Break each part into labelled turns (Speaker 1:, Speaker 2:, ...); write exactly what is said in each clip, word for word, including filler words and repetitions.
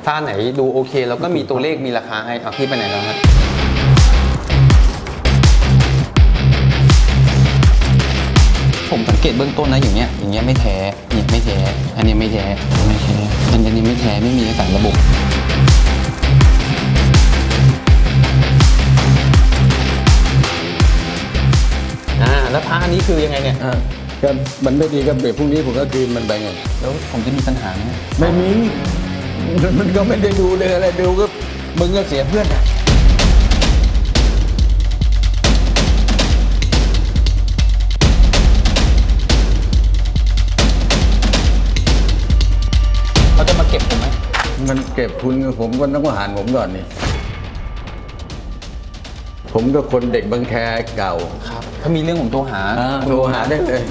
Speaker 1: ถ้าไหนดูโอเคแล้วก็มีตัวเลขมีราคาให้เอาพี่ไปไหนแล้วฮะผมสังเกตเบื้องต้นนะอย่างเงี้ยอย่างเงี้ยไม่แท้เนี่ยไม่แท้อันนี้ไม่แท้ไม่แท้อันนี้ไม่แท้ไม่มีสารระบบอ่าแล้วพระอันนี้คือยังไงเนี่ย
Speaker 2: อ่าก็มันไม่ดีก็เบรกพรุ่งนี้ผมก็คืนมันไปไง
Speaker 1: แล้วผมจะมีปัญหาไหม
Speaker 2: ไม่มีมันก็ไม่ได้ดูเลยอะไรดูก็มึงก็เสียเพื่อน
Speaker 1: เขาจะมาเก็บผมไหม
Speaker 2: มันเก็บคุณผมก็ต้องหารผมก่อนนี่ผมก็คนเด็กบางแคเก่า
Speaker 1: ครับถ้ามีเรื่องผมโทรหา
Speaker 2: โทรหาได้เลย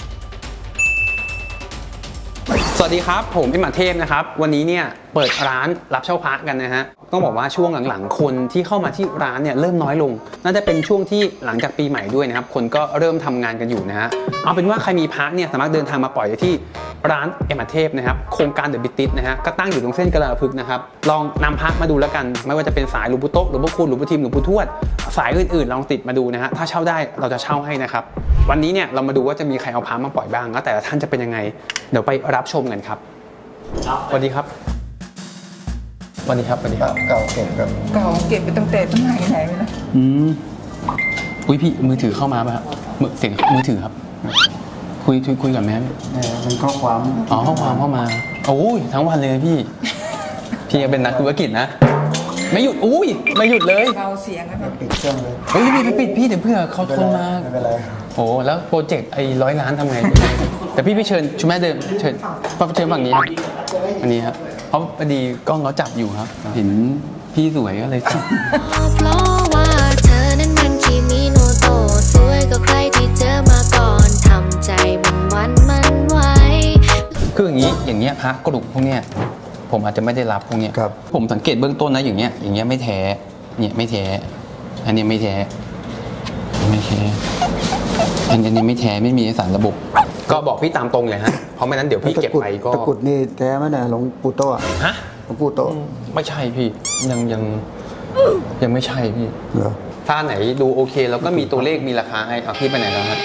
Speaker 1: สวัสดีครับผมพี่หมาเทพนะครับวันนี้เนี่ยเปิดร้านรับเช่าพระกันนะฮะต้องบอกว่าช่วงหลังๆคนที่เข้ามาที่ร้านเนี่ยเริ่มน้อยลงน่าจะเป็นช่วงที่หลังจากปีใหม่ด้วยนะครับคนก็เริ่มทำงานกันอยู่นะฮะเอาเป็นว่าใครมีพระเนี่ยสามารถเดินทางมาปล่อยได้ที่ร้านเอ็มอาร์เทพนะครับโครงการเดอะบิทติสนะฮะก็ตั้งอยู่ตรงเส้นกระลาพึกษ์นะครับลองนำพระมาดูแล้วกันไม่ว่าจะเป็นสายหลวงปู่โต๊ะหลวงปู่คูณหลวงปู่ทิมหลวงปู่ทวดสายอื่นๆลองติดมาดูนะฮะถ้าเช่าได้เราจะเช่าให้นะครับวันนี้เนี่ยเรามาดูว่าจะมีใครเอาพระมาปล่อยบ้างแล้วแต่ละท่านจะเป็นยังไงเดี๋ยวไปรับชมกันครับสวัสดีครับสวัสดีครับสวัสดีครับ
Speaker 2: เก่าเก็บครับ
Speaker 3: เก่าเก็บไปตั้งแต่สมัยไหนไปแล้ว
Speaker 1: อืมอุ้ยพี่มือถือเข้ามาป่ะครับมือเสียงมือถือครับคุยคุยคุยกับแม่
Speaker 2: เป็นข้อความ
Speaker 1: อ๋อข้อความเข้ามาโอ้ยทั้งวันเลยพี่พี่ยังเป็นนักธุรกิจนะไม่หยุดอุ้ยไม่หยุดเลย
Speaker 3: เบาเสียงกันแบบ
Speaker 2: ปิดเครื่องเลย
Speaker 1: เฮ้ยพี่ไปปิดพี่เดี๋ยวเพื่อเขาทนมา
Speaker 2: ไม่เป็นไร
Speaker 1: โอ้แล้วโปรเจกต์ไอ้ร้อยล้านทำไงแต่พี่ไปเชิญชุมแม่เดิมเชิญเชิญฝั่งนี้ครับอันนี้ครับเพราะพอดีกล้องเขาจับอยู่ครับเห็นพี่สวยก็เลยจับ
Speaker 4: เพราะว่าเธอนั้นมันคิมิโนโตะสวยกว่าใครที่เจอมาก่อนทำใจมันวันมันไหว
Speaker 1: คืออย่างนี้อย่างเงี้ยพระกระดูกพวกเนี้ยผมอาจจะไม่ได้รับพวกเนี้ยผมสังเกตเบื้องต้นนะอย่างเงี้ยอย่างเงี้ยไม่แท้เนี่ยไม่แท้อันนี้ไม่แท้ไม่แท้อันนี้ไม่แท้ไม่มีสารระบบก็บอกพี่ตามตรงเลยฮะเพราะไม่นั้นเดี๋ยวพี่เก็บไปก็
Speaker 2: ตะกุดนี่แท้ไหมเนี่ยหลวงปู่โตะ
Speaker 1: ฮะ
Speaker 2: หลวงปู่โตะ
Speaker 1: ไม่ใช่พี่ยังยังยังไม่ใช่พี่
Speaker 2: เหรอ
Speaker 1: ถ้าไหนดูโอเคแล้วก็มีตัวเลขมีราคาให้เอาพี่ไปไหนแล้วครับ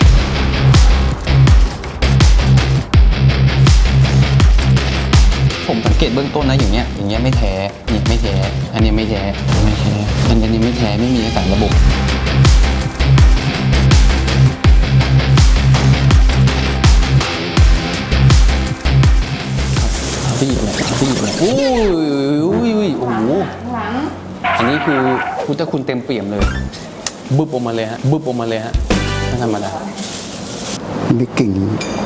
Speaker 1: ผมสังเกตเบื้องต้นนะอย่างเงี้ยอย่างเงี้ยไม่แท้เนี่ยไม่แท้อันนี้ไม่แท้ไม่แท้อันนี้ไม่แท้ไม่มีสารระบบพี่อะไรพี่อะไรโอ้ยโอ้ยโอ้โหอันนี้คือพุทธคุณเต็มเปี่ยมเลยบึ้บออกมาเลยฮะบึ้บออกมาเลยฮะไม่ธรรมดา
Speaker 2: มีกิ่ง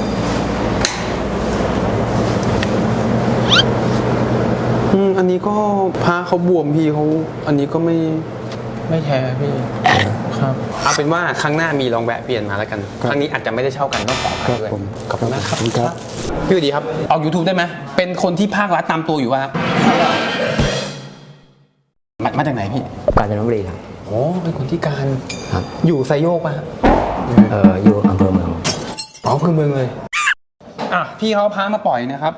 Speaker 1: อืมอันนี้ก็พาเขาบวมพี่เขาอันนี้ก็ไม่ไม่แท้พี่ครับเอาเป็นว่าครั้งหน้ามีลองแวะเปลี่ยนมาแล้วกันครั้งนี้อาจจะไม่ได้เช่ากันต้องขอไปด้วยขอบคุณมากครับพี่ดีครับออก YouTube ได้ไหมเป็นคนที่ภาครัฐตามตัวอยู่ว่ามามาจากไหนพี่
Speaker 5: กาญจนบุรีครับ
Speaker 1: โอ้เป็นคนที่การ
Speaker 5: ครับ
Speaker 1: อยู่ไซโยกป่ะ
Speaker 5: เอออยู่อำเภอเมือง
Speaker 1: อ๋ออำเภอเมืองเลยอ่ะพี่เขาพามาปล่อยนะครับ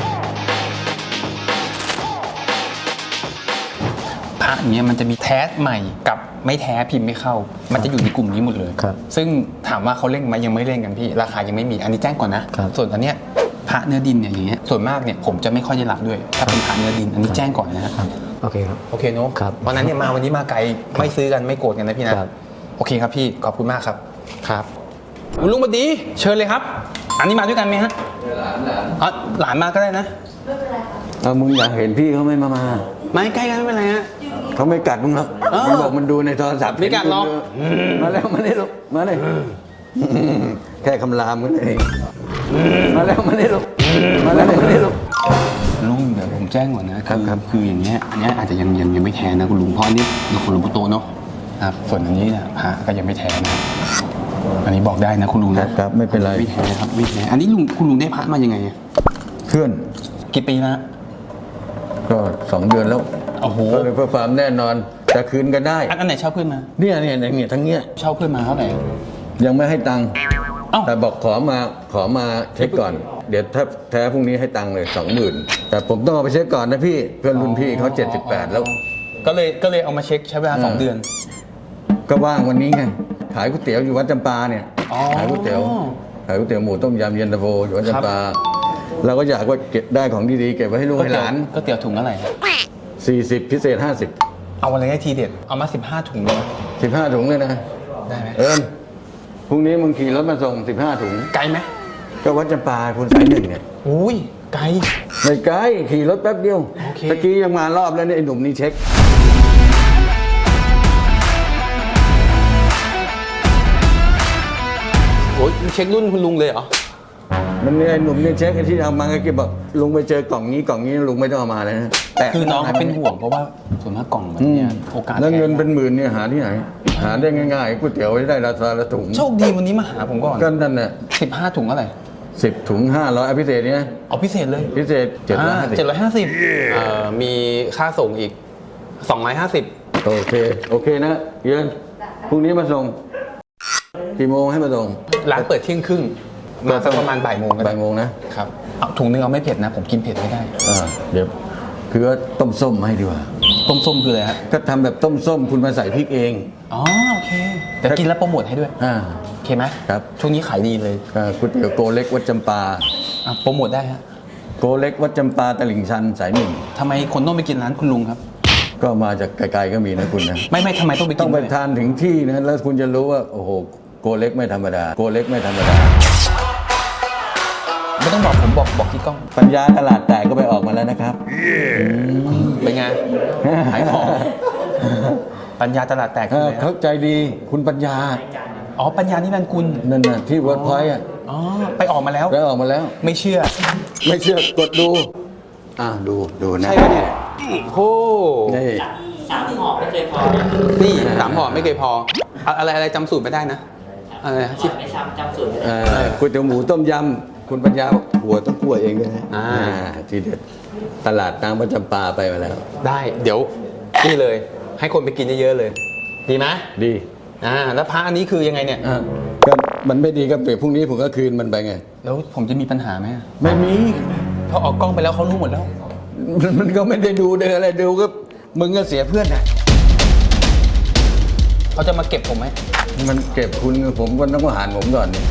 Speaker 1: พระอย่างเงี้ยมันจะมีแท้ใหม่กับไม่แท้พิมพ์ไม่เข้ามันจะอยู่ในกลุ่มนี้หมดเลยซึ่งถามว่าเขาเล่นไหมยังไม่เล่นกันพี่ราคายังไม่มีอันนี้แจ้งก่อนนะส่วนอันเนี้ยพระเนื้อดินเนี่ยอย่างเงี้ยส่วนมากเนี่ยผมจะไม่ค่อยได้รับด้วยถ้าเป็นพระเนื้อดินอันนี้แจ้งก่อนนะครับ
Speaker 5: โอเคครับ
Speaker 1: โอเคเนาะเพราะนั้นเนี่ยมาวันนี้มาไกลไม่ซื้อกันไม่โกรธกันนะพี่นะโอเคครับพี่ขอบคุณมากครับครับลุงบัดดีเชิญเลยครับอันนี้มาด้วยกันไหมฮะหลานหลานอ๋อหลานมาก็ได้นะ
Speaker 2: เอามึงอยากเห็นพี่เขาไม่มามา
Speaker 1: ไม่ใกล้กันไม่เป็นไรฮะ
Speaker 2: เขาไม่กัดมึงหรอกมันบอกมันดูในโทรศัพท์
Speaker 1: ไม่กัดหรอก
Speaker 2: มาแล้วมาเลยลูกมาเลยแค่คำรามกันเองมาแล้วมาเลยลูกมาแล้วมาเลยลูก
Speaker 1: ลุงเดี๋ยวผมแจ้งก่อนนะครับครับคืออย่างเงี้ยอันนี้อาจจะยังยังยังไม่แท้นะคุณลุงเพราะอันนี้เราคนหลวงปู่โตเนาะครับส่วนอันนี้เนี่ยพระก็ยังไม่แท้นะอันนี้บอกได้นะคุณลุง
Speaker 2: นะครับไม่เป็นไร
Speaker 1: ไม่แท้ครับไม่แท้อันนี้ลุงคุณลุงได้พระมายังไง
Speaker 2: เพื่อน
Speaker 1: กี่ปีนะ
Speaker 2: ก็สองเดือนแล้ว
Speaker 1: โอ้โห
Speaker 2: เพื่อความแน่นอนจะคืนกันได้
Speaker 1: อันไหนเช่าเพื่อนมา
Speaker 2: เนี่ยเนี่ยเนี่ยทั้งเงี้ย
Speaker 1: เช่าเพื่อนมาเท่าไหร่
Speaker 2: ยังไม่ให้ตังค์
Speaker 1: เอ้า
Speaker 2: แต่บอกขอมาขอมาเช็คก่อน เดี๋ยวถ้าแท้พรุ่งนี้ให้ตังค์เลยสองหมื่นแต่ผมต้องเอาไปเช็คก่อนนะพี่เพื่อนรุ่นพี่เขาเจ็ดสิบแปดแล้ว
Speaker 1: ก็เลยก็เลยเอามาเช็คใช้เวลาสองเดือน
Speaker 2: ก็ว่างวันนี้ไงขายก๋วยเตี๋ยวอยู่วัดจำปาเนี่ย
Speaker 1: อ๋อ
Speaker 2: ขายก๋วยเตี๋ยวขายก๋วยเตี๋ยวหมูต้มยำเย็นตาโฟอยู่วัดจำปาเราก็อยากว่าเก็บได้ของดีๆเก็บไว้ให้ลูกให้หลาน
Speaker 1: ก็เตี๋ยวถุงอะไรฮะ
Speaker 2: สี่สิบพิเศษห้าสิบ
Speaker 1: เอาอะไรให้ทีเด็ด เอามาสิบห้าถุงเลย
Speaker 2: สิบห้าถุงเลยนะ
Speaker 1: ได้ไหม
Speaker 2: เอิญพรุ่งนี้มึงขี่รถมาส่งสิบห้าถุง
Speaker 1: ไกลไหม
Speaker 2: ก็วัดจำปาคุณสายหนึ่งเนี่ย
Speaker 1: อุ้ยไกล
Speaker 2: ไม่ไกลขี่รถแป๊บเดียว
Speaker 1: โอเค
Speaker 2: ตะกี้ยังมารอบแล้วเนี่ยไอ้หนุ่มนี่เช็ค
Speaker 1: โอ้ยเช็ครุ่นคุณลุงเลยเหรอ
Speaker 2: มันเนี่ยไอ้หนุ่มนี่เช็คไอ้ที่เอามาก็เก็บบอกลุงไปเจอกล่องนี้กล่องนี้ลุงไม่ต้องเอามาเลยนะแต่
Speaker 1: คือน้องเขาเป็นห่วงเพราะว่าส่วนมากกล่องแบบ
Speaker 2: อืม
Speaker 1: เนี้ยโอกาส
Speaker 2: แล้วเงิน
Speaker 1: แพ
Speaker 2: เป็นหมื่นเนี่ยหาที่ไหน หาได้ง่ายๆก๋วยเตี๋ยวไว้ได้ราคาละถุง
Speaker 1: โชคดีวันนี้มาหาผมก่อน
Speaker 2: ก็นั่นน่ะ
Speaker 1: สิบห้าถุงเท่าไหร่
Speaker 2: สิบถุงห้าร้อยพิเศษเนี่ย
Speaker 1: เอาพิเศษเลย
Speaker 2: พิเศษเจ็ดร้อยห้าสิบ
Speaker 1: เจ็ดร้อยห้าสิบเอ่อมีค่าส่งอีกสองร้อยห้าสิบ
Speaker 2: โอเคโอเคนะเยือนพรุ่งนี้มาส่งกี่โมงให้มาส่ง
Speaker 1: ร้านเปิดเที่ยงครึ่งมาสักประมาณบ่ายโมงก็ได้
Speaker 2: บ่ายโมงนะ
Speaker 1: ครับเอาถุงนึงเอาไม่เผ็ดนะ ผมกินเผ็ดไม่ได้
Speaker 2: อ่าเดี๋ยวคือว่าต้มส้มมาให้ดีกว่า
Speaker 1: ต้มส้มคืออะไรฮะ
Speaker 2: ก็ทำแบบต้มส้มคุณมาใส่พริกเอง
Speaker 1: อ๋อโอเคแต่กินแล้วโปรโมทให้ด้วย
Speaker 2: อ่า
Speaker 1: โอเคไหม
Speaker 2: ครับ
Speaker 1: ช่วงนี้ขายดีเลย
Speaker 2: อ่าก๋วยเตี๋ยวโกเล็กวัดจำปา
Speaker 1: อ่ะโปรโมทได้ฮะ
Speaker 2: โกเล็กวัดจำปาตลิ่งชันสายหนึ่ง
Speaker 1: ทำไมคนต้องไปกินร้านคุณลุงครับ
Speaker 2: ก็มาจากไกลๆก็มีนะคุณนะ
Speaker 1: ไม่ไม่ทำไมต้องไปกิ
Speaker 2: ต้อน งไป
Speaker 1: ด้วย
Speaker 2: ทานถึงที่นะแล้วคุณจะรู้ว่าโอ้โหโกเล็กไม่ธรรมดาโกเล็กไม่ธรรมดา
Speaker 1: ไม่ต้องบอกผมบอกบอกที่กล้อง
Speaker 2: ปัญญาตลาดแตกก็ไปออกมาแล้วนะครับ
Speaker 1: เป็นไงขายของปัญญาตลาดแตก
Speaker 2: เอ
Speaker 1: คือ
Speaker 2: อ
Speaker 1: อะไร
Speaker 2: เข้า
Speaker 1: ฮะ
Speaker 2: ใจดีคุณปัญญา
Speaker 1: อ๋อปัญญานี่นันกุล
Speaker 2: นั่นน่ะที่เวิร์ดพอยต์อ่ะ
Speaker 1: อ๋อไปออกมาแล้ว
Speaker 2: แล้วออกมาแล้ว
Speaker 1: ไม่เชื่อ
Speaker 2: ไม่เชื่อกดดูอ่าดูดูนะ
Speaker 1: ใช่ไหมเนี่ยโอ้
Speaker 2: นี่
Speaker 6: สามห่อไม่เคยพอ
Speaker 1: นี่สามห่อไม่เคยพออะอะไรอะไรจำสูตรไม่ได้นะอะไรนะที่
Speaker 6: ไม่จำจำสูตรไม่ได้
Speaker 2: เอ่อก๋วยเตี๋ยวหมูต้มยำคุณปัญญาบอกหัวต้องคั่วเองด้วยนะ
Speaker 1: อ่า
Speaker 2: อ่าทีเด็ดตลาดน้ำประจำปาไปมาแล้ว
Speaker 1: ได้เดี๋ยวนี่เลย ให้คนไปกินเยอะๆเลย ดีไหม
Speaker 2: ดี
Speaker 1: อ่าแล้วพระอันนี้คือยังไงเนี่ย
Speaker 2: อ่ะก็มันไม่ดีก็เปรียบพรุ่งนี้ผมก็คืนมันไปไง
Speaker 1: แล้วผมจะมีปัญหาไหม
Speaker 2: ไม่มี
Speaker 1: เพราะออกกล้องไปแล้วเขารู้หมดแล้ว
Speaker 2: มันมันก็ไม่ได้ดูเดินอะไรดูก็มึงก็เสียเพื่อนนะ
Speaker 1: เขาจะมาเก็บผมไหม
Speaker 2: มันเก็บคุณผมก็ต้องมาหารผมก่อนนี่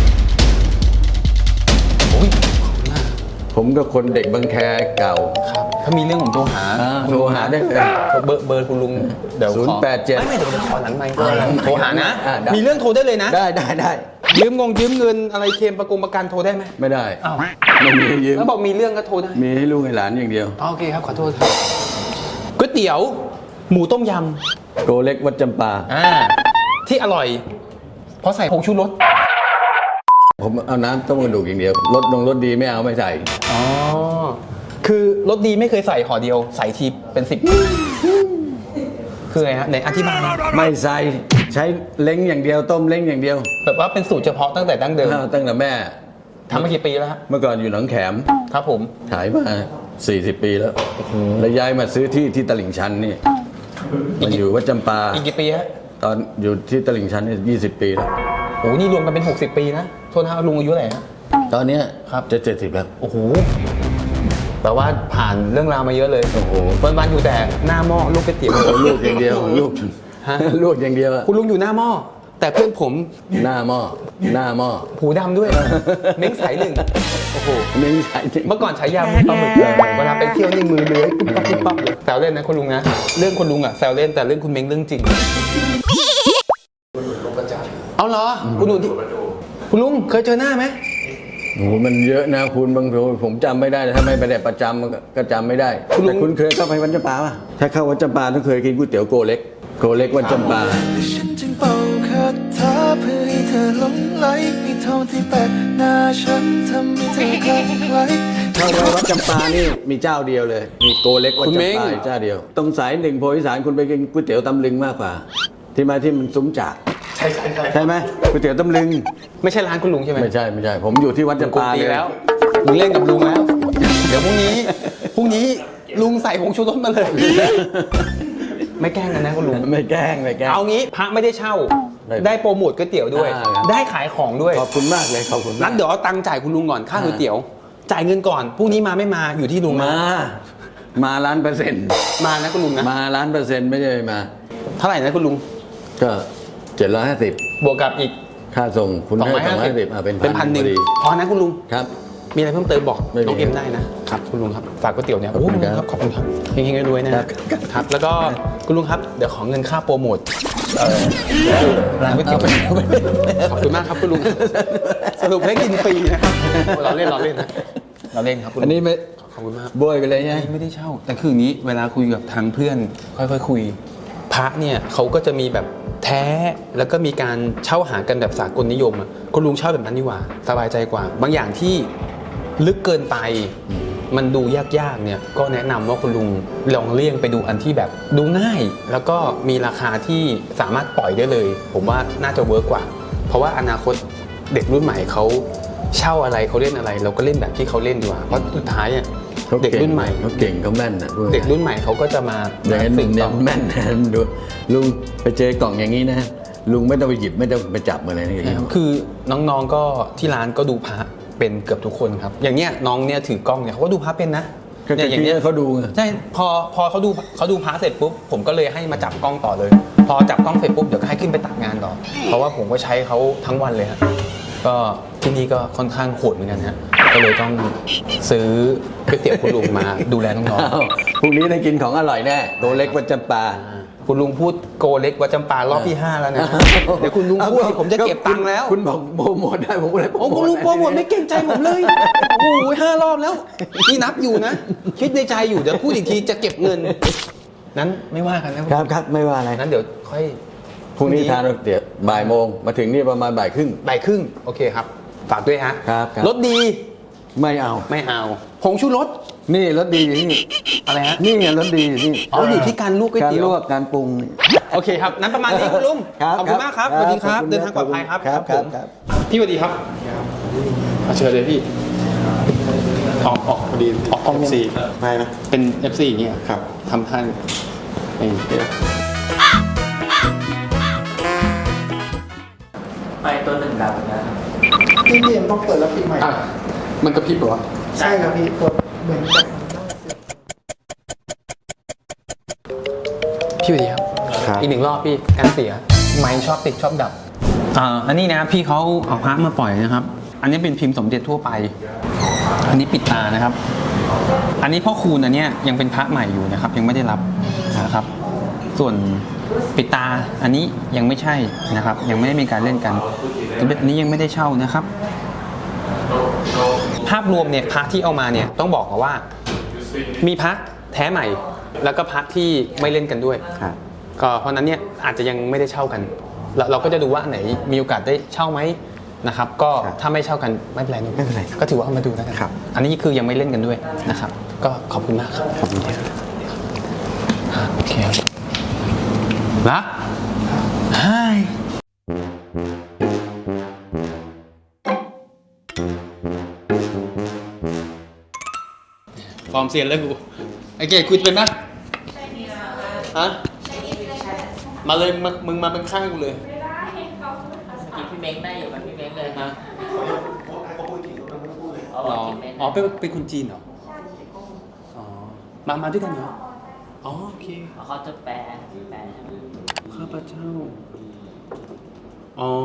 Speaker 1: โอ้ย
Speaker 2: ผมก็คนเด็กบางแคเก่า
Speaker 1: ครับถ้ามีเรื่องผมโทรหา
Speaker 2: อ่าโทรหาได้เลย
Speaker 1: เบอร์เบอร์คุณลุงเดี๋ยวขอ
Speaker 2: ศูนย์แปดเจ็ด
Speaker 1: ไม่ไม่เดี๋ยวผมขอหลังไมค์โทรหานะ
Speaker 2: อ่าได้
Speaker 1: มีเรื่องโทรได้เลยนะ
Speaker 2: ได้ได้ได้
Speaker 1: ยืมงงยืมเงินอะไรเคลมประกงประกันโทรได้ไหม
Speaker 2: ไม่ได้
Speaker 1: อ้าว
Speaker 2: ไม่มีให้ยืม
Speaker 1: แล้วบอกมีเรื่องก็โทรได้
Speaker 2: มีให้ลูกให้หลานอย่างเดียว
Speaker 1: อ๋อโอเคครับขอโทษครับก๋วยเตี๋ยว หมูต้มย
Speaker 2: โกเล็กวัดจำปา
Speaker 1: ำอ่าที่อร่อย เพราะใส่ผงชูรส
Speaker 2: ผมเอาน้ำต้มกระดูกอย่างเดียวรสลงรสดีไม่เอาไม่ใส่
Speaker 1: อ๋อคือรสดีไม่เคยใส่ห่อเดียว ใส่ทีเป็นสิบคือไงฮะไหนอธิบาย
Speaker 2: ไม่ใส่ใช้เล้งอย่างเดียวต้มเล้งอย่างเดียว
Speaker 1: แบบว่าเป็นสูตรเฉพาะตั้งแต่ดั้งเดิม
Speaker 2: ตั้งแต่แม่
Speaker 1: ทำมากี่ปีแล้วฮะ
Speaker 2: เมื่อก่อนอยู่หนองแขม
Speaker 1: ครับผม
Speaker 2: ขายมาสี่สิบปีแล้วแล้วย้ายมาซื้อที่ที่ตลิ่งชันนี่มาอยู่วัดจำปา
Speaker 1: อีกกี่ปีฮะ
Speaker 2: ตอนอยู่ที่ตลิ่งชันนี่ยี่สิบปีแล้ว
Speaker 1: โอ้โหนี่รวมกันเป็นหกสิบปีนะโทษนะลุงอายุเท่าไหร่ฮะ
Speaker 2: ตอนเนี้ย
Speaker 1: ครับ
Speaker 2: จะเจ็ดสิบแล้ว
Speaker 1: โอ้โหแปลว่าผ่านเรื่องราวมาเยอะเลย
Speaker 2: โอ้โห
Speaker 1: วันๆอยู่แต่หน้าหม้อลูกก๋วยเตี๋ยว
Speaker 2: ลูกอย่างเดียวลูก
Speaker 1: ฮะ
Speaker 2: ลูกอย่างเดียวอะ
Speaker 1: คุณลุงอยู่หน้าหม้อแต่เพื่อนผม
Speaker 2: หน้าหม้อหน้าหม้อ
Speaker 1: หูดำด้วย เม้งสายหนึ่งโอ้โห
Speaker 2: ไม่ใช่จริง
Speaker 1: เมื่อก่อนฉายาปลาหมึกเลยเวลาไปเที่ยวนี่มือเลื้อยปุ๊บปั๊บปุ๊บปั๊บเลยแซวเล่นนะคุณลุงนะเรื่องคุณลุงอ่ะแซวเล่นแต่เรื่องคุณเม้งเรื่องจริงเอาเหรอคุณลุงที่คุณลุงเคยเจอหน้าไหม
Speaker 2: โอ้โหมันเยอะนะคุณบางทีผมจำไม่ได้ถ้าไม่ไปได้ประจำมันก็ก็จำไม่ได้แต่คุณเคยเข้าไปวัดจำปาป่ะถ้าเข้าวัดจำปาต้องเคยกินก๋วยเตี๋ยวโกเล็กโกเล็กวัดจำปา
Speaker 7: ฉันจึงเป่าคาถาเพื่อให้เธอหลงไหลมีทองที่แปะหน้าฉันทำให้เธอคลั่งไคล้
Speaker 2: เข้าไปวัดจำปานี่มีเจ้าเดียวเลย มีโกเล็กวัด
Speaker 1: คุณเม้ง
Speaker 2: จำปาอยู่เจ้าเดียว ตรงสายหนึ่งโพธิสารคุณไปกินก๋วยเตี๋ยวตำลึงมากกว่า ที่มาที่มันซุ้มจาก
Speaker 1: ใช่ใช่ใช่
Speaker 2: ใช่ไหมก๋วยเตี๋ยวตำลึง
Speaker 1: ไม่ใช่ร้านคุณลุงใช่ไหม
Speaker 2: ไม่ใช่ไม่ใช่ ผมอยู่ที่วัดจำ
Speaker 1: กู
Speaker 2: ปา
Speaker 1: ตี
Speaker 2: เลย
Speaker 1: แล้วมึงเล่นกับลุงแล้ว เดี๋ยวพรุ่งนี้พรุ่งนี้ลุงใส่ผงชูรสมาเลย ไม่แกล้งกันนะคุณลุง
Speaker 2: ไม่แกล้งไม่แกล้ง
Speaker 1: เอางี้พระไม่ได้เช่า
Speaker 2: ได้
Speaker 1: ได้โปรโมทก๋วยเตี๋ยวด้วย
Speaker 2: อ่าครับ
Speaker 1: ได้ขายของด้วย
Speaker 2: ขอบคุณมากเลยขอบคุณ
Speaker 1: นั้
Speaker 2: มาก
Speaker 1: นเดี๋ยวเอาตังค์จ่ายคุณลุงก่อนค่าก๋วยเตี๋ยว จ่ายเงินก่อนพรุ่งนี้มาไม่มาอยู่ที่ลุงนะ
Speaker 2: มา มาล้านเปอร์เซ็นต์
Speaker 1: มานะคุณลุงนะ
Speaker 2: มาล้านเปอร์เซ็นต์ไม่ใช่มา
Speaker 1: เท่าไหร่นะคุณลุง
Speaker 2: ก็เจ็ดร้อยห้าสิบบ
Speaker 1: วกกับอีก
Speaker 2: ค่าส่งคุณ
Speaker 1: สอง
Speaker 2: ให้
Speaker 1: ร้อย
Speaker 2: สอง
Speaker 1: ห้า
Speaker 2: ร้อย
Speaker 1: สิบ
Speaker 2: สิบอ่ะเป็น
Speaker 1: เป็นพันหนึ่ง
Speaker 2: พอดี
Speaker 1: พอนะคุณลุง
Speaker 2: ครับ
Speaker 1: มีอะไรเพิ่มเติมบอก
Speaker 2: ไม่มี
Speaker 1: น้องเอ็มได้นะครับคุณลุงครับฝากก๋วยเตี๋ยวเนี่ย
Speaker 2: ขอบคุณ
Speaker 1: โอ้
Speaker 2: ครับ
Speaker 1: ขอบคุณครับเฮงๆรวยๆนะครับ ครับ แล้วก็คุณลุงครับเดี๋ยวขอเงินค่าโปรโมทเอ่อร้านก๋วยเตี๋ยวขอบคุณมากครับคุณลุงสรุปให้กินฟรีนะครับเราเล่นเราเล่นนะเราเล่นครับคุณลุ
Speaker 2: อั
Speaker 1: ง
Speaker 2: นนี้ไม่
Speaker 1: ขอบคุณมาก
Speaker 2: โบยไปเลยใช่ไหม
Speaker 1: ไม่ได้เช่า แต่คืออย่างนี้เวลาคุยกับทางเพื่อนค่อยๆคุยพระเนี่ยเขาก็จะมีแบบแท้แล้วก็มีการเช่าหากันแบบสากลนิยมอ่ะคุณลุงเช่าแบบนั้นดีกว่าสบายใจกว่า บางอย่างที่ลึกเกินไปมันดูยากๆเนี่ยก็แนะนำว่าคุณลุงลองเลี่ยงไปดูอันที่แบบดูง่าย แล้วก็มีราคาที่สามารถปล่อยได้เลย ผมว่าน่าจะเวิร์กกว่า เพราะว่าอนาคตเด็กรุ่นใหม่เขาเช่าอะไรเขาเล่นอะไร เราก็เล่นแบบที่เขาเล่นดีกว่าเพราะสุดท้ายอ่ะ
Speaker 2: เขา
Speaker 1: เด็ก
Speaker 2: เก่ง
Speaker 1: รุ่นใหม่
Speaker 2: เขาเก่งเขาแม่นนะพูง่าย
Speaker 1: เด็กรุ่นใหม่เขาก็จะมา
Speaker 2: อย่างนั้น
Speaker 1: สืบ
Speaker 2: เนี่
Speaker 1: ต่
Speaker 2: ย
Speaker 1: อ
Speaker 2: แม่นนะดูลุงไปเจอกล่องอย่างนี้นะลุงไม่ต้องไปหยิบไม่ต้องไปจับอะไรนะอย่างนี้
Speaker 1: คือน้องๆก็ที่ร้านก็ดูพระเป็นเกือบทุกคนครับ อย่างเนี้ยน้องเนี่ยถือกล้องเนี่ยเขาก็ดูพระเป็นนะ
Speaker 2: ก็
Speaker 1: เนี่ย
Speaker 2: อ
Speaker 1: อย่ ย่าง ง
Speaker 2: นี้
Speaker 1: เนี้ย
Speaker 2: เขาดูไง
Speaker 1: ใช่พอพอเขาดูเขาดูพระเสร็จปุ๊บผมก็เลยให้มาจับกล้องต่อเลย พอจับกล้องเสร็จปุ๊บเดี๋ยวก็ให้ขึ้นไปตัดงานต่อ เพราะว่าผมก็ใช้เขาทั้งวันเลยฮะก็ที่นี่ก็ค่อนข้างโหดเหมือนกันฮะก็เลยต้องซื้อก๋วยเตี๋ยวคุณลุงมาดูแลน้อง
Speaker 2: อ้าวพรุ่งนี้ได้กินของอร่อยแน่โตเล็กวัดจำปา
Speaker 1: ๆคุณลุงพูดโกเล็กวัดจำปารอบที่ห้าแล้วนะเดี๋ยวคุณลุงพูดผมจะเก็บตังค์แล้ว
Speaker 2: คุณบอกโปรโมทได้ผมก็เลย
Speaker 1: โอ้คุณลุงโปรโมทไม่เก่งใจผมเลย โอ้โหห้ารอบแล้วนี่นับอยู่นะ คิดในใจอยู่เดี๋ยวพูดอีกทีจะเก็บเงิน นั้นไม่ว่ากันนะครับ
Speaker 2: ครับไม่ว่าอะไร
Speaker 1: นั้นเดี๋ยวค่อย
Speaker 2: พรุ่งนี้ทานเดี๋ยวบ่ายโมงมาถึงนี่ประมาณบ่ายครึ่ง
Speaker 1: บ่ายครึ่งโอเคครับ ฝากด้วยฮะ
Speaker 2: ครับครับ
Speaker 1: รถดี
Speaker 2: ไม่เอา
Speaker 1: ไม่เอาผงชูรส
Speaker 2: นี่รสดีอยู่นี่
Speaker 1: อะไรฮะ
Speaker 2: นี่ไงรสดีอยู่นี่
Speaker 1: อ๋ออยู่ที่การลวกก๋วย
Speaker 2: การ
Speaker 1: เตี๋ย
Speaker 2: ล
Speaker 1: ว
Speaker 2: วกการปรุงนี่
Speaker 1: โอเคครับ นั้นประมาณนี้คุณลุง
Speaker 2: ครับ
Speaker 1: ขอบคุณมากครับ
Speaker 2: ค
Speaker 1: ส
Speaker 2: รับ
Speaker 1: วัสดีครับ
Speaker 2: ขอบคุณ
Speaker 1: เดินทางปลอดภัยครับ
Speaker 2: ครับ
Speaker 1: ผม
Speaker 2: ครับ
Speaker 1: พี่สวัสดีครับเอาเชิญเลยพี่ออกออกพอดีออกออก เอฟ ซี
Speaker 8: ไม่นะ
Speaker 1: เป็น เอฟ ซี อย่างเงี้ย
Speaker 8: ครับ
Speaker 1: ทำท่านนี่
Speaker 6: ไปตัวหนึ่งดับนะครับ
Speaker 8: พี่เอ็มต้องเปิดแล้วปิดใหม่
Speaker 1: อ่ะมันกระพริบเหรอ
Speaker 8: ใช่ครับพี่กดเหมือนกับ
Speaker 1: พี่สวัสดีครับ
Speaker 2: ครับ
Speaker 1: อีกหนึ่งรอบพี่การเสียไม้ชอบติดชอบดับอ่าอันนี้นะครับพี่เขาเอาพระมาปล่อยนะครับ อันนี้เป็นพิมพ์สมเด็จทั่วไป อันนี้ปิดตานะครับ อันนี้พ่อคูณอันเนี้ยยังเป็นพระใหม่อยู่นะครับ ยังไม่ได้รับนะครับ ส่วนปิดตาอันนี้ยังไม่ใช่นะครับ ยังไม่ได้มีการเล่นกันสมเด็จอันนี้ยังไม่ได้เช่านะครับ ภาพรวมเนี่ยพระที่เอามาเนี่ยต้องบอกก่อนว่า มีพระแท้ใหม่ แล้วก็พระที่ไม่เล่นกันด้วย
Speaker 2: ครับ
Speaker 1: ก็เพราะฉะนั้นเนี่ยอาจจะยังไม่ได้เช่ากันเราเราก็จะดูว่าอันไหนมีโอกาสได้เช่าไหมนะครับ ก็ถ้าไม่เช่ากันไม่เป็นไรนะ
Speaker 2: ไม่เป็นไร
Speaker 1: ก็ถือว่าเอามาดูแล้วกัน
Speaker 2: ครับ
Speaker 1: อันนี้คือยังไม่เล่นกันด้วยนะครับ ก็ขอบคุณมากครับขอบคุณครับอ่าโอเคครับละไฮฟอร์มเซียนแล้วกูไอเกดคุยเป็นปะฮะมาเลยมึงมึงมาเป็นข้างกูเลย
Speaker 6: เมื่อกี้พี่เม้งได้อยู่กับพี่เม้งเลย
Speaker 1: ฮะ
Speaker 6: อ๋อ
Speaker 1: อ๋อ
Speaker 6: พี่เม้ง
Speaker 1: อ๋อเป็นเป็นคนจีนเหรออ๋อมามาด้วยกันเหรออ๋อโอเค
Speaker 6: เขาจะแปลแปลใช่ไหม
Speaker 1: ข้าพเจ้าอ๋อ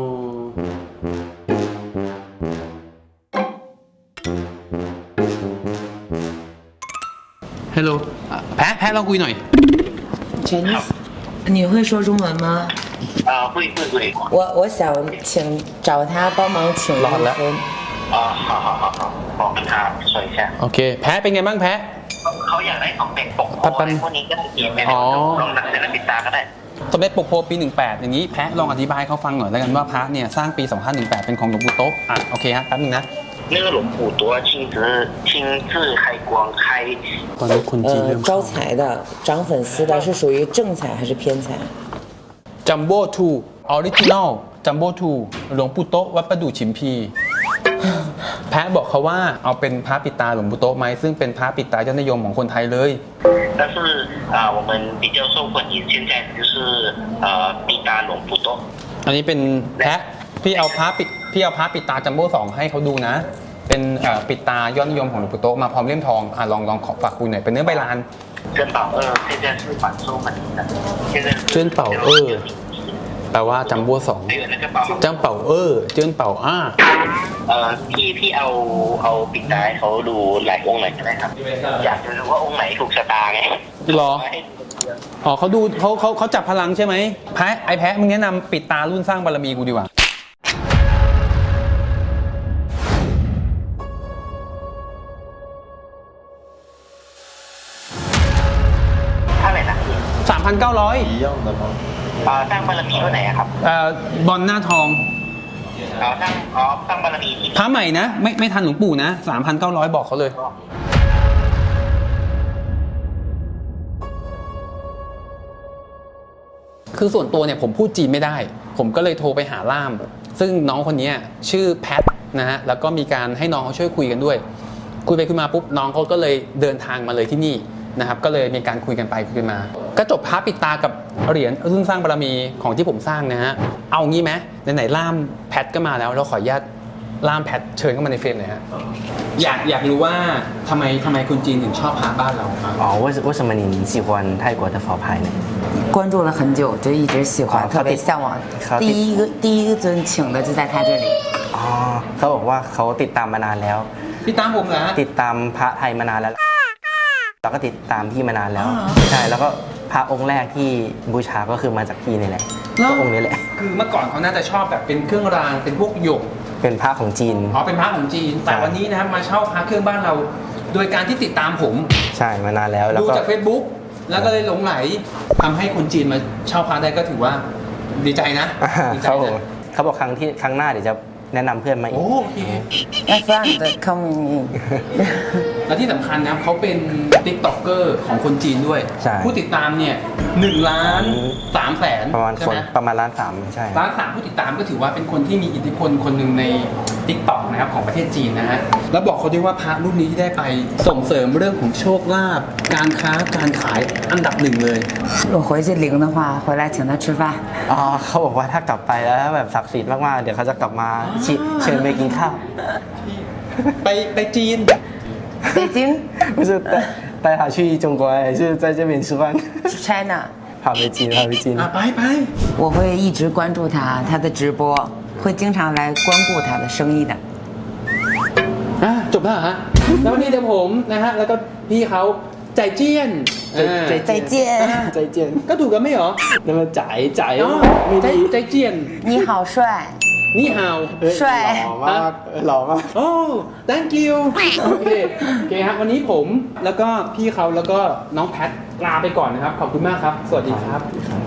Speaker 1: ฮัลโหลแพ้แพ้ลองคุยหน่อย
Speaker 3: Chinese 你会说中文吗？
Speaker 9: 啊，会会会。
Speaker 3: 我我想请找他帮忙请
Speaker 1: 老了
Speaker 3: 一分。
Speaker 9: 啊，好好好好，我跟他说一下。
Speaker 1: โอเค แพ้เป็นไงบ้างแพ้
Speaker 9: เขาอยากได้ของเด็กปกโพ
Speaker 1: ปั๊บปั๊บ
Speaker 9: อะไรพวกนี้ก็ได้เขียนไป
Speaker 1: อ๋อ
Speaker 9: ลองหนังศิลปินตาก็ได้
Speaker 1: สมเด็จปกโพปีหนึ่งแปดอย่างนี้แพ้ลองอธิบายให้เขาฟังหน่อยแล้วกันว่าพระเนี่ยสร้างปีสองพันหนึ่งแปดเป็นของหลวงปู่โต๊ะอ่ะโอเคฮะแป๊บนึงนะ
Speaker 9: 那个龙虎多亲自亲自开光开
Speaker 1: ตอนนี้คนจีนเริ่
Speaker 3: 呃
Speaker 1: ม，
Speaker 3: 招财的、涨粉丝的是属于正财还是偏财？
Speaker 1: จัมโบ้ทูออริจินอลจัมโบ้ทูหลวงปู่โต๊ะวัดประดู่ฉิมพี แพ้บอกเขาว่าเอาเป็นพระปิดตาหลวงปู่โต๊ะไหมซึ่งเป็นพระปิดตายอดนิยมของคนไทยเลย
Speaker 9: 但是啊、我们比较受欢迎现在就是呃必达龙虎多
Speaker 1: อันนี้เป็นแพะพี่เอาพระปิดพี่เอาพระปิดตาจัมโบ้สองให้เขาดูนะ เป็นเอ่อปิดตายอดนิยมของหลวงปู่โตะมาพร้อมเล่มทองอ่ะลองลองขอฝากคุณหน่อยเป็นเนื้อใบลาน
Speaker 9: 珍宝二现在是反收门的，现在是
Speaker 1: 珍宝二แปลว่าจัมโบ้สอง
Speaker 9: 还有那个宝，
Speaker 1: จังเป่าเออเจิ้นเป่าอ้า
Speaker 9: เอ่อพี่พี่เอาเอาปิดตาให้เขาดูหลายองค์หน่อยก็ได้ครับ อยากจะรู้ว่าองค์ไหนถูกชะตาไง
Speaker 1: หรอ อ๋อเขาดูเขาเขาเขาจับพลังใช่ไหมแพะไอแพะมึงแนะนำปิดตารุ่นสร้างบารมีกูดีกว่า
Speaker 9: เท่าไหร่นะ
Speaker 1: สามพันเก้าร้อย
Speaker 9: เอ่อสร้างบารมีเท่าไหร่อะครับ
Speaker 1: เอ่อบอลหน้าทอง
Speaker 9: เอ่อสร้างอ๋อสร้างบารมีที่
Speaker 1: พระใหม่นะ ไม่ไม่ทันหลวงปู่นะสามพันเก้าร้อยบอกเขาเลย คือส่วนตัวเนี่ยผมพูดจีนไม่ได้ ผมก็เลยโทรไปหาล่าม ซึ่งน้องคนนี้ชื่อแพทนะฮะ แล้วก็มีการให้น้องเขาช่วยคุยกันด้วย คุยไปคุยมาปุ๊บน้องเขาก็เลยเดินทางมาเลยที่นี่นะครับ ก็เลยมีการคุยกันไปคุยกันมา ก็จบพระปิดตากับเหรียญรุ่นสร้างบารมีของที่ผมสร้างนะฮะ เอางี้ไหมไหนๆล่ามแพทก็มาแล้วเราขออนุญาตล่ามแพทเชิญเข้ามาในเฟรมหน่อยฮะ อยากอยากรู้ว่าทำไมทำไมคนจีนถึงชอบพระบ้านเราครับ
Speaker 5: 哦，为什为什么你喜欢泰国的佛牌呢？
Speaker 3: 关注了很久，就一直喜欢，
Speaker 5: 好
Speaker 3: 特别向往。
Speaker 5: 好
Speaker 3: 第一个第一个尊请的就在他这里。
Speaker 5: อ๋อเขาบอกว่าเขาติดตามมานานแล้ว
Speaker 1: พี่ตามผมเหรอฮะ
Speaker 5: ติดตามพระไทยมานานแล้วเราก็ติดตามพี่มานานแล้ว
Speaker 1: อ๋อ
Speaker 5: ใช่แล้วก็พระองค์แรกที่บูชาก็คือมาจากพี่นี่แหละก็องค์นี้แหละ
Speaker 1: คือเมื่อก่อนเขาน่าจะชอบแบบเป็นเครื่องรางเป็นพวกหยก
Speaker 5: เป็นพระของจีน
Speaker 1: อ๋อเป็นพระของจีน แต่วันนี้นะครับมาเช่าพระเครื่องบ้านเรา โดยการที่ติดตามผม
Speaker 5: ใช่มานานแล้วแล้ว
Speaker 1: ดู
Speaker 5: ก็
Speaker 1: จาก Facebook แล้วก็เลยหลงไหลทำให้คนจีนมาเช่าพระได้ก็ถือว่าดีใจนะ
Speaker 5: อ่า
Speaker 1: ดีใจ
Speaker 5: เขาบอก
Speaker 1: นะ
Speaker 5: เขาบอกครั้งที่ครั้งหน้าเดี๋ยวจะแนะนำเพื่อนมาอี
Speaker 1: โอ้
Speaker 5: ก
Speaker 1: โอเค
Speaker 3: 那算的 coming
Speaker 1: และที่สำคัญนะครับเขาเป็นติ๊กต็อกเกอร์ของคนจีนด้วย
Speaker 5: ใช่
Speaker 1: ผู้ติดตามเนี่ยหนึ่งล้านสามแสน
Speaker 5: ประมาณ
Speaker 1: ใช่
Speaker 5: คน
Speaker 1: ไหม
Speaker 5: ประมาณล้านสามใช่
Speaker 1: ล้านสามผู้ติดตามก็ถือว่าเป็นคนที่มีอิทธิพลคนหนึ่งใน ติ๊กต็อก นะครับของประเทศจีนนะฮะแล้วบอกเขาด้วยว่าพระรุ่นนี้ที่ได้ไปส่งเสริมเรื่องของโชคลาภการค้าการขายอันดับหนึ่งเลย
Speaker 3: 我回去灵的话，回来请他吃饭。
Speaker 5: อ๋อเขาบอกว่าถ้ากลับไปแล้วแบบศักดิ์สิทธิ์มากๆ เดี๋ยวเขาจะกลับมาชิเชิญไปกินข้าว
Speaker 1: ไปไปจีน
Speaker 3: 北京
Speaker 5: 不是带带他去中国，还是在这边吃饭？
Speaker 3: China，
Speaker 5: 跑北京，跑北京
Speaker 1: อ่ะ。ไปไป
Speaker 3: 我会一直关注他，他的直播会经常来光顾他的生意的。
Speaker 1: อ่ะจบแล้วเหรอฮะแล้ววันนี้เดี๋ยวผมนะฮะแล้วก็พี่เขาใจเจี้ยนอ่า
Speaker 3: 再见，
Speaker 5: 再见。
Speaker 1: ก็ถูกกันไม่เหรอ
Speaker 5: 那么仔仔
Speaker 1: อ๋อ
Speaker 5: ไม่
Speaker 1: ใจ
Speaker 5: ดี
Speaker 1: ใจเจี้ยน
Speaker 3: 你好帅，
Speaker 1: นี่ฮาว
Speaker 5: เฮ้ย
Speaker 3: 帅
Speaker 5: หล่อมากหล่อมาก
Speaker 1: โอ้ thank you โอเคโอเคครับวันนี้ผมแล้วก็พี่เขาแล้วก็น้องแพทลาไปก่อนนะครับ ขอบคุณมากครับ สวัสดีครับ